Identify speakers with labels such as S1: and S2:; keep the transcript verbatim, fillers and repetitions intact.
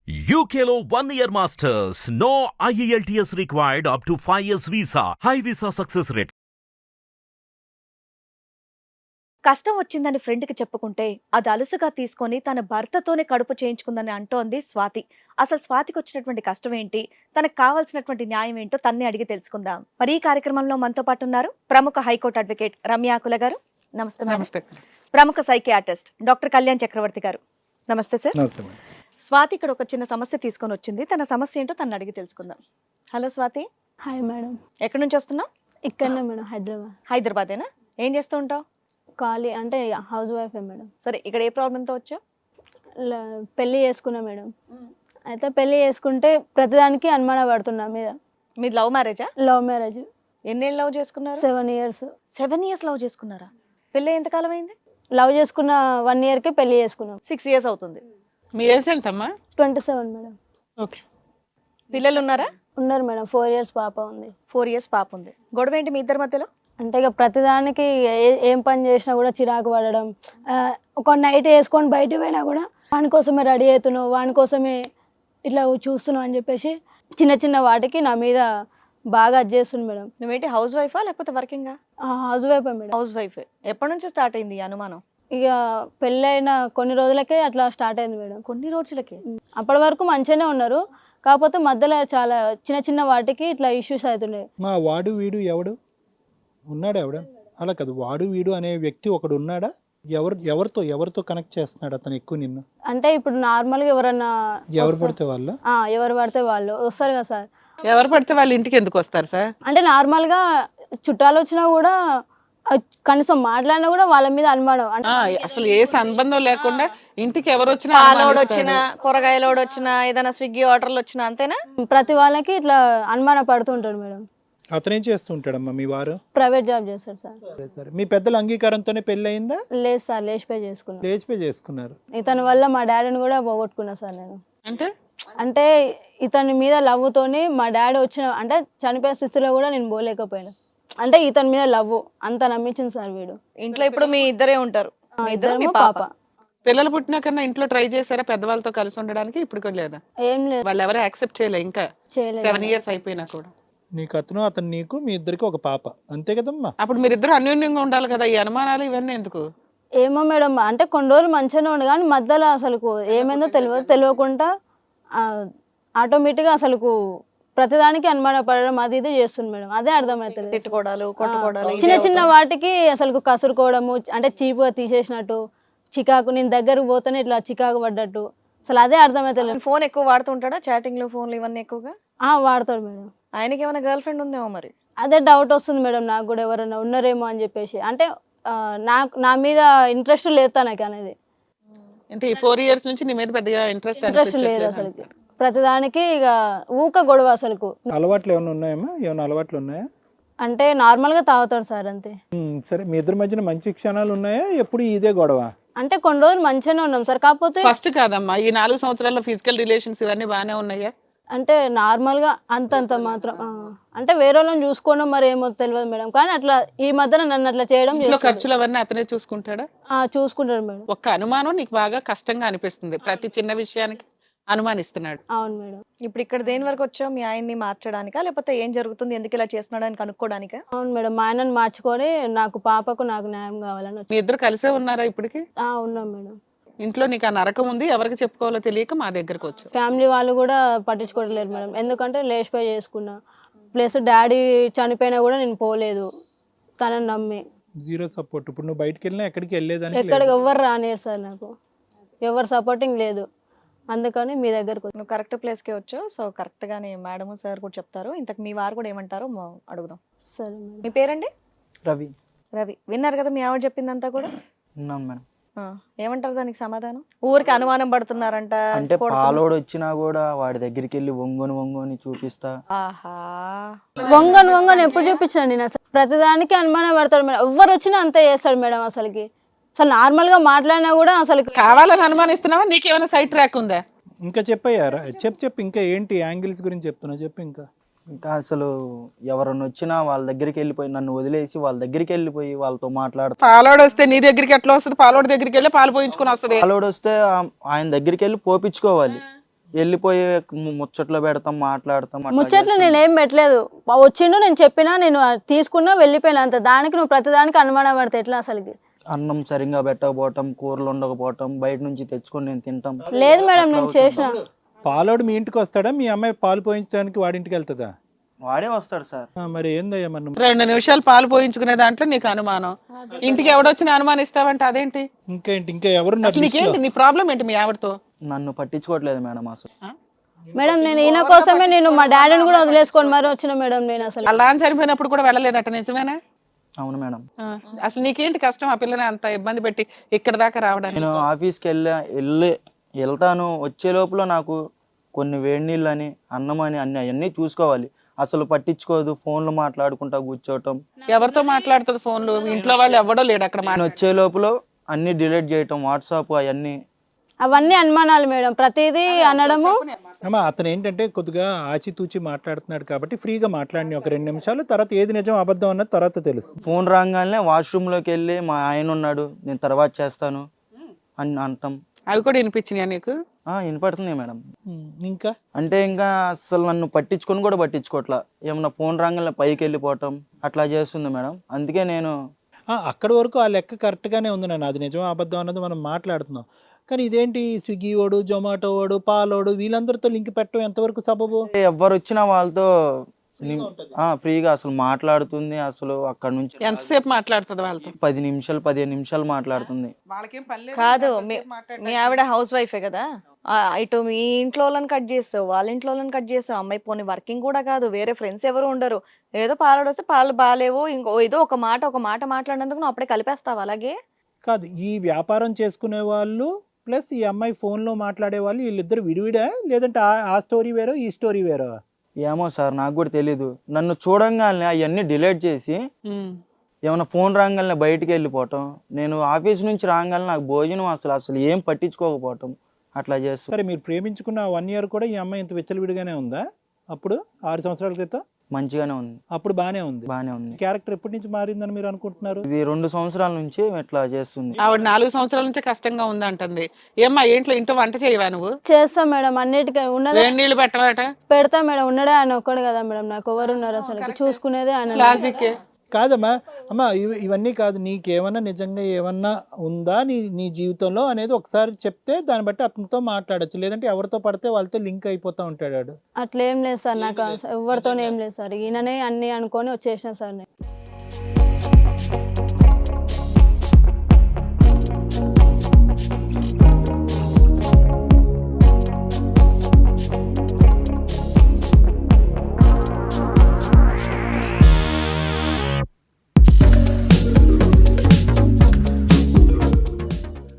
S1: U K లో one year masters. No I E L T S required up to five years visa. High visa success rate.
S2: కష్టం వచ్చిందని ఫ్రెండ్కి చెప్పుకుంటే అది అలుసుగా తీసుకొని తన భర్తతోనే కడుపు చేయించుకుందని అంటోంది స్వాతి. అసలు స్వాతికి వచ్చినటువంటి కష్టం ఏంటి, తనకు కావాల్సినటువంటి న్యాయం ఏంటో తన్నే అడిగి తెలుసుకుందాం. మరి ఈ కార్యక్రమంలో మనతో పాటు ఉన్నారు ప్రముఖ హైకోర్టు అడ్వకేట్ రమ్యాకుల గారు. నమస్తే. నమస్తే. ప్రముఖ సైకియాట్రిస్ట్ డాక్టర్ కళ్యాణ్ చక్రవర్తి గారు. నమస్తే సార్. స్వాతి ఇక్కడ ఒక చిన్న సమస్య తీసుకొని వచ్చింది. తన సమస్య ఏంటో తను అడిగి తెలుసుకుందాం. హలో స్వాతి.
S3: Hi madam.
S2: ఎక్కడి నుంచి వస్తున్నావు?
S3: ఇక్కడనే మేడం, హైదరాబాద్.
S2: హైదరాబాదేనా? ఏం చేస్తూ ఉంటావు?
S3: ఖాళీ అంటే హౌస్ వైఫే మేడం.
S2: సరే, ఇక్కడ ఏ ప్రాబ్లంతో వచ్చావు?
S3: పెళ్ళి చేసుకున్నా మేడం. అయితే పెళ్ళి చేసుకుంటే ప్రతిదానికి అనుమానం పడుతున్నా మీద.
S2: మీది లవ్ మ్యారేజా?
S3: Love marriage.
S2: ఎన్నేళ్ళు లవ్ చేసుకున్నారు?
S3: Seven years.
S2: Seven years love చేసుకున్నారా? పెళ్ళి ఎంతకాలం అయింది?
S3: లవ్ చేసుకున్న వన్ ఇయర్కి పెళ్ళి చేసుకున్నాం.
S2: సిక్స్ ఇయర్స్ అవుతుంది.
S4: మీ ఏజ్ ఎంతమ్మా?
S3: Twenty seven madam.
S4: ఓకే.
S2: పిల్లలు ఉన్నారా?
S3: ఉన్నారు మేడం. ఫోర్ ఇయర్స్ పాప ఉంది.
S2: ఫోర్ ఇయర్స్ పాప ఉంది. గొడవ ఏంటి మీ ఇద్దరి మధ్యలో?
S3: అంటే ఇక ప్రతిదానికి ఏ- ఏం పని చేసినా కూడా చిరాకు పడడం. ఆ, ఒక నైట్ వేసుకొని బయట పోయినా కూడా వాని కోసమే రెడీ అవుతున్నావు, వాని కోసమే ఇట్లా చూస్తున్నావు అని చెప్పేసి చిన్న చిన్న వాటికి నా మీద బాగా అది చేస్తుంది మేడం.
S2: నువ్వేంటి హౌస్ వైఫా లేకపోతే వర్కింగా?
S3: హౌస్ వైఫే మేడం.
S2: House wife. ఎప్పటి నుంచి స్టార్ట్ అయింది ఈ అనుమానం?
S3: ఇక పెళ్ళైన కొన్ని రోజులకే అట్లా స్టార్ట్ అయింది మేడం.
S2: కొన్ని రోజులకి?
S3: అప్పటి వరకు మంచిగానే ఉన్నారు, కాకపోతే మధ్యలో చాలా చిన్న చిన్న వాటికి ఇట్లా ఇష్యూస్ అవుతున్నాయి.
S5: మా వాడు వీడు ఎవడు ఉన్నాడా? ఎవడ అలా కాదు, వాడు వీడు అనే వ్యక్తి ఒకడు ఉన్నాడా? ఎవరు ఎవరితో ఎవరితో కనెక్ట్ చేస్తున్నాడు అతను ఎక్కువ నిన్ను?
S3: అంటే ఇప్పుడు నార్మల్గా ఎవరన్నా
S5: ఎవరు పడితే వాళ్ళు
S3: ఆ, ఎవరు పడితే వాళ్ళు వస్తారు కదా సార్.
S4: ఎవరు పడితే వాళ్ళ ఇంటికి ఎందుకు వస్తారు సార్?
S3: అంటే నార్మల్గా చుట్టాలు వచ్చినా కూడా ఆ, కనీసం మాట్లాడినా కూడా వాళ్ళ మీద అనుమానం. అంటే
S4: ఆ, అసలు ఏ సంబంధం లేకుండా ఇంటికి ఎవరు వచ్చినా
S2: పాలోడు
S4: అనుమానిస్తాడు.
S2: వచ్చినా, కూరగాయలోడు వచ్చినా, ఏదైనా స్విగ్గీ ఆర్డర్లు వచ్చినా అంతేనా?
S3: ప్రతి వాళ్ళకి ఇట్లా అనుమానం పడుతుంటాడు మేడం.
S5: అతనేం చేస్తూ ఉంటాడమ్మా మీ వారు?
S3: ప్రైవేట్ జాబ్ చేస్తాడు సార్.
S5: సరే సరే, మీ పెద్దల అంగీకారంతోనే పెళ్ళి అయిందా?
S3: లేదు సార్, లేచిపోయి చేసుకున్నాను.
S5: లేచిపోయి చేసుకున్నారు.
S3: ఇతని వల్ల మా డాడీని కూడా పోగొట్టుకున్నా సార్ నేను.
S4: అంటే
S3: అంటే ఇతని మీద లవ్వుతోని మా డాడీ వచ్చిన అంటే చనిపోయే స్థితిలో కూడా నేను పోలేకపోయాను. అంటే ఇతని మీద లవ్ అంత నమ్మించింది సార్ వీడు.
S2: ఇంట్లో ఇప్పుడు మీ ఇద్దరే ఉంటారు?
S3: ఆ,
S2: మీ ఇద్దరు, మీ
S3: ఇద్దరేమో
S2: పాప.
S3: పాప.
S4: పిల్లలు పుట్టినాకన్నా ఇంట్లో ట్రై చేశారా పెద్దవాళ్ళతో కలిసి ఉండడానికి? ఇప్పుడు కూడా లేదా?
S3: ఏం లేదు,
S4: వాళ్ళు ఎవరు యాక్సెప్ట్ చేయలే ఇంకా
S3: చేయలేదు.
S4: సెవెన్ ఇయర్స్ అయిపోయినా కూడా.
S5: నీకు అతను, అతను నీకు, మీ ఇద్దరికి ఒక పాప, అంతే కదమ్మా?
S4: అప్పుడు మీరిద్దరు అన్యోన్యంగా ఉండాలి కదా, ఈ అనుమానాలు ఇవన్నీ ఎందుకు?
S3: ఏమో మేడం, అంటే కొన్ని రోజులు మంచిగానే ఉండు కానీ మధ్యలో అసలు ఏమైందో తెలియదు, తెలియకుండా ఆటోమేటిక్గా అసలు ప్రతిదానికి అనుమాన పడడం అది ఇది చేస్తుంది మేడం. అదే అర్థమవుతుంది.
S2: తిట్టుకోవడాలు, కొట్టుకోవడాలు,
S3: చిన్న చిన్న వాటికి అసలు కసురుకోవడము, అంటే చీపుగా తీసేసినట్టు, చికాకు, నేను దగ్గరకు పోతేనే ఇట్లా చికాకు పడ్డట్టు, అసలు అదే అర్థమవుతుంది.
S2: ఫోన్ ఎక్కువ వాడుతుంటాడా? చాటింగ్లు, ఫోన్లు ఇవన్నీ ఎక్కువగా
S3: ఆ వాడతాడు మేడం.
S2: ఆయనకి ఏమైనా గర్ల్ ఫ్రెండ్ ఉందేమో మరి?
S3: అదే డౌట్ వస్తుంది మేడం నాకు కూడా, ఎవరైనా ఉన్నారేమో అని చెప్పేసి. అంటే ఆ, నాకు నా మీద ఇంట్రెస్ట్ లేదు తనకి అనేది.
S4: అంటే ఈ ఫోర్ ఇయర్స్ నుంచి నీ మీద పెద్దగా ఇంట్రెస్ట్
S3: ఇంట్రెస్ట్ లేదు అసలు. ప్రతిదానికి ఇక ఊక గొడవ అసలు.
S5: అలవాట్లు ఏమైనా ఉన్నాయమ్మా? ఏమైనా అలవాట్లు ఉన్నాయా?
S3: అంటే నార్మల్ గా తాగుతాడు సార్ అంతే.
S5: ఉమ్, సరే, మీ ఇద్దరి మధ్యన మంచి క్షణాలు ఉన్నాయా? ఎప్పుడు ఇదే గొడవ?
S3: అంటే కొన్ని రోజులు మంచిగానే ఉన్నాం సార్, కాకపోతే
S4: ఫస్ట్ కాదమ్మా, ఈ నాలుగు సంవత్సరాల్లో ఫిజికల్ రిలేషన్స్ ఇవన్నీ బాగానే ఉన్నాయా?
S3: అంటే నార్మల్ గా అంతంత మాత్రం. ఆ, అంటే వేరే వాళ్ళని చూసుకోవడం మరి ఏమో తెలియదు మేడం, కానీ అట్లా ఈ మధ్యన నన్ను అట్లా చేయడం
S4: ఇంట్లో
S3: చేస్తాడు.
S4: ఖర్చులు అవన్నీ అతనే చూసుకుంటాడా?
S3: ఆ, చూసుకుంటాడు మేడం.
S4: ఒక్క అనుమానం నీకు బాగా కష్టంగా అనిపిస్తుంది, ప్రతి చిన్న విషయానికి అనుమానిస్తున్నాడు.
S3: అవును మేడం.
S2: ఇప్పుడు ఇక్కడ దేని వరకు వచ్చావు? మీ ఆయన్ని మార్చడానికా లేకపోతే ఏం జరుగుతుంది, ఎందుకు ఇలా చేస్తున్నాడు అని కనుక్కోడానికా?
S3: అవును మేడం, మా ఆయనను మార్చుకొని నాకు పాపకు నాకు న్యాయం కావాలని వచ్చి.
S4: మీ ఇద్దరు కలిసే ఉన్నారా ఇప్పటికి?
S3: ఆ, ఉన్నాం మేడం.
S4: ఇంట్లో నీకు ఆ నరకం ఉంది, ఎవరికి చెప్పుకోవాలో తెలియక మా దగ్గరకు వచ్చావు.
S3: ఫ్యామిలీ వాళ్ళు కూడా పట్టించుకోవట్లేదు మేడం, ఎందుకంటే లేచిపోయి చేసుకున్నా, ప్లస్ డాడీ చనిపోయినా కూడా నేను పోలేదు తనని నమ్మి.
S5: Zero support. ఇప్పుడు నువ్వు బయటకు వెళ్ళినా ఎక్కడికి వెళ్ళేదానికి
S3: ఎక్కడికి ఎవ్వరు రానియరు సార్, నాకు ఎవరు సపోర్టింగ్ లేదు, అందుకని మీ దగ్గరకు వచ్చి.
S2: నువ్వు కరెక్ట్ ప్లేస్కే వచ్చావు. సో కరెక్ట్గానే మేడం సార్ కూడా చెప్తారు. ఇంతకు మీ వారు కూడా ఏమంటారో మా- అడుగుదాం.
S3: సరే మేడం.
S2: మీ పేరండి?
S6: రవి.
S2: రవి. విన్నారు కదా మీ ఆవిడ చెప్పిందంతా కూడా?
S6: ఉన్నాను మేడం.
S2: ఆ, ఏమంటారు దానికి సమాధానం? ఊరికి అనుమానం పడుతున్నారంట.
S6: అంటే
S2: కొడుతున్నా-
S6: పాలోడు వచ్చినా కూడా వాడి దగ్గరికి వెళ్ళి వంగొని వంగొని చూపిస్తా.
S2: ఆహా.
S3: వంగను వంగను ఎప్పుడు చూపించిన నేను అసలు ప్రతిదానికి అనుమానం పడతాడు మేడం, ఎవరు వచ్చినా అంతే చేస్తాడు మేడం. అసలుకి అసలు నార్మల్ గా మాట్లాడినా కూడా అసలు
S4: కావాలని అనుమానిస్తున్నావా? నీకేమైనా సైట్ ట్రాక్ ఉందా?
S5: ఇంకా చెప్పయ్యారా? చెప్పు చెప్పు, ఇంకా ఏంటి యాంగిల్స్ గురించి చెప్తున్నా చెప్పు. ఇంకా
S6: ఇంకా అసలు ఎవరన్నా వచ్చినా వాళ్ళ దగ్గరికి వెళ్ళిపోయి నన్ను వదిలేసి వాళ్ళ దగ్గరికి వెళ్ళిపోయి వాళ్ళతో మాట్లాడతా.
S4: పాలోడు వస్తే నీ దగ్గరికి ఎట్లా వస్తుంది? పాలోడు దగ్గరికి వెళ్ళి పాలు పోయించుకుని వస్తుంది.
S6: పాలోడు వస్తే ఆ- ఆయన దగ్గరికి వెళ్ళి పోపించుకోవాలి. వెళ్ళిపోయి ము- ముచ్చట్లో పెడతాం, మాట్లాడతాం అట్లా
S3: ముచ్చట్లు
S6: చేస్తాం.
S3: నేను ఏం పెట్టలేదు వచ్చిండు, నేను చెప్పినా, నేను అది తీసుకున్నా వెళ్ళిపోయినా అంత. దానికి నువ్వు ప్రతిదానికి అనుమానం పడితే ఎట్లా అసలుకి?
S6: అన్నం సరిగ్గా పెట్టకపోవటం, కూరలు ఉండకపోవటం, బయట నుంచి తెచ్చుకొని నేను తింటాం.
S3: లేదు మేడం,
S6: అట్లా
S3: నేను
S6: అవుతుంది.
S3: చేసిన.
S5: పాలోడు మీ ఇంటికి వస్తాడా, మీ అమ్మాయి పాలు పోయించడానికి వాడింటికి వెళ్తుందా?
S6: వాడే వస్తాడు సార్.
S5: ఆ, మరి ఏందయ్యా మనం
S4: రెండు నిమిషాలు పాలు పోయించుకునే దాంట్లో నీకు అనుమానం, ఇంటికి ఎవడొచ్చినా అనుమానిస్తావంటే అదేంటి?
S5: ఇంకేంటి, ఇంకా ఎవరు
S4: అసలు నీకేంటి, నీ ప్రాబ్లం ఏంటి మీ ఆవిడతో?
S6: నన్ను పట్టించుకోవట్లేదు మేడం అసలు.
S3: మేడం నేను ఈయన కోసమే నేను మా డాడీని కూడా వదిలేసుకొని మరి వచ్చిన మేడం నేను అసలు.
S4: అలా అని చనిపోయినప్పుడు కూడా వెళ్ళలేదట, నిజమేనా?
S6: అవును మేడం.
S4: ఆ, అసలు నీకేంటి కష్టం ఆ పిల్లని అంత ఇబ్బంది పెట్టి ఇక్కడ దాకా రావడానికి?
S6: నేను ఆఫీస్కి వెళ్ళా వెళ్ళి వెళ్తాను, వచ్చే లోపల నాకు కొన్ని వేడి నీళ్ళు అని, అన్నం అని, అన్ని అవన్నీ చూసుకోవాలి. అసలు పట్టించుకోదు, ఫోన్లు మాట్లాడుకుంటా కూర్చోవటం.
S4: ఎవరితో మాట్లాడుతుంది ఫోన్లు? ఇంట్లో వాళ్ళు ఎవడో లేడు అక్కడ
S6: నేను
S4: మాట్లాడు.
S6: వచ్చే లోపల అన్ని డిలీట్ చేయటం, వాట్సాప్ అవన్నీ.
S3: అవన్నీ అనుమానాలు మేడం, ప్రతిదీ అనడము.
S5: అమ్మా అతను ఏంటంటే కొద్దిగా ఆచితూచి మాట్లాడుతున్నాడు కాబట్టి ఫ్రీగా మాట్లాడిన ఒక రెండు నిమిషాలు, తర్వాత ఏది నిజం అబద్ధం అన్నది తర్వాత తెలుస్తుంది.
S6: ఫోన్ రాగానే వాష్రూమ్లోకి వెళ్ళి మా ఆయన ఉన్నాడు, నేను తర్వాత చేస్తాను అని అంటాం.
S4: అవి కూడా వినిపించినాయా నీకు?
S6: ఆ, వినపడుతుంది మేడం.
S5: ఉమ్, ఇంకా
S6: అంటే ఇంకా అసలు నన్ను పట్టించుకొని కూడా పట్టించుకోవట్లా. ఏమన్నా ఫోన్ రాగానే పైకి వెళ్ళిపోవటం అట్లా చేస్తుంది మేడం. అందుకే నేను
S5: ఆ, అక్కడి వరకు ఆ లెక్క కరెక్ట్గానే ఉంది నాన్న, అది నిజం అబద్ధం అన్నది మనం మాట్లాడుతున్నాం. కానీ ఇదేంటి స్విగ్గీ వాడు, జొమాటో వాడు, పాలోడు వీళ్ళందరితో లింక్ పెట్టడం ఎంతవరకు సబబు?
S6: ఎవరు వచ్చినా వాళ్ళతో ఆ ఫ్రీగా అసలు మాట్లాడుతుంది. అసలు అక్కడ నుంచి
S4: ఎంతసేపు మాట్లాడుతుంది వాళ్ళతో?
S6: పది నిమిషాలు పదిహేను నిమిషాలు మాట్లాడుతుంది.
S4: వాళ్ళకేం పని
S2: కాదు మీ మీ ఆవిడ హౌస్ వైఫే కదా, ఆ, ఇటు మీ ఇంట్లో వాళ్ళని కట్ చేస్తావు, వాళ్ళ ఇంట్లో వాళ్ళని కట్ చేస్తావు. అమ్మాయి పోనీ వర్కింగ్ కూడా కాదు, వేరే ఫ్రెండ్స్ ఎవరు ఉండరు, ఏదో పాలు వస్తే పాలు బాగాలేవు, ఇంకో ఏదో ఒక మాట ఒక మాట మాట్లాడినందుకు నువ్వు అప్పుడే కలిపేస్తావు అలాగే?
S5: కాదు, ఈ వ్యాపారం చేసుకునే వాళ్ళు ప్లస్ ఈ అమ్మాయి ఫోన్లో మాట్లాడే వాళ్ళు వీళ్ళిద్దరు విడివిడా, లేదంటే ఆ- ఆ స్టోరీ వేరో ఈ స్టోరీ వేరో?
S6: ఏమో సార్, నాకు కూడా తెలీదు. నన్ను చూడంగానే అవన్నీ డిలీట్ చేసి
S4: ఉమ్.
S6: ఏమైనా ఫోన్ రాగానే బయటికి వెళ్ళిపోవటం, నేను ఆఫీస్ నుంచి రాగానే నాకు భోజనం అసలు అసలు ఏం పట్టించుకోకపోవటం అట్లా చేస్తాను.
S5: సరే, మీరు ప్రేమించుకున్న వన్ ఇయర్ కూడా ఈ అమ్మాయి ఇంత విచ్చలవిడిగానే ఉందా? అప్పుడు ఆరు సంవత్సరాల క్రితం
S6: మంచిగానే ఉంది,
S5: అప్పుడు బానే ఉంది.
S6: బాగానే ఉంది.
S5: క్యారెక్టర్ ఎప్పటి నుంచి మారిందని మీరు అనుకుంటున్నారు?
S6: ఇది రెండు సంవత్సరాల నుంచి ఇట్లా చేస్తుంది.
S4: ఆవిడ నాలుగు సంవత్సరాల నుంచి కష్టంగా ఉంది అంటుంది. ఏమ్మా ఇంట్లో ఇంట్లో వంట చేయవా నువ్వు?
S3: చేస్తా మేడం, అన్నిటికీ ఉన్నదే
S4: వేడి నీళ్ళు పెట్టవాట?
S3: పెడతా మేడం, ఉన్నదే ఆయన ఒక్కడు కదా మేడం, నాకు ఎవరు ఉన్నారు అసలు చూసుకునేదే ఆయన.
S4: లాజిక్.
S5: కాదమ్మా, అమ్మా ఇవి ఇవన్నీ కాదు, నీకేమన్నా నిజంగా ఏమన్నా ఉందా నీ నీ జీవితంలో అనేది ఒకసారి చెప్తే దాన్ని బట్టి అతనితో మాట్లాడచ్చు, లేదంటే ఎవరితో పడితే వాళ్ళతో లింక్ అయిపోతూ ఉంటాడు.
S3: అట్లేం లేదు సార్, నాకు ఎవరితోనే ఏం లేదు సార్, ఈయననే అన్ని అనుకొని వచ్చేసిన సార్ నేను.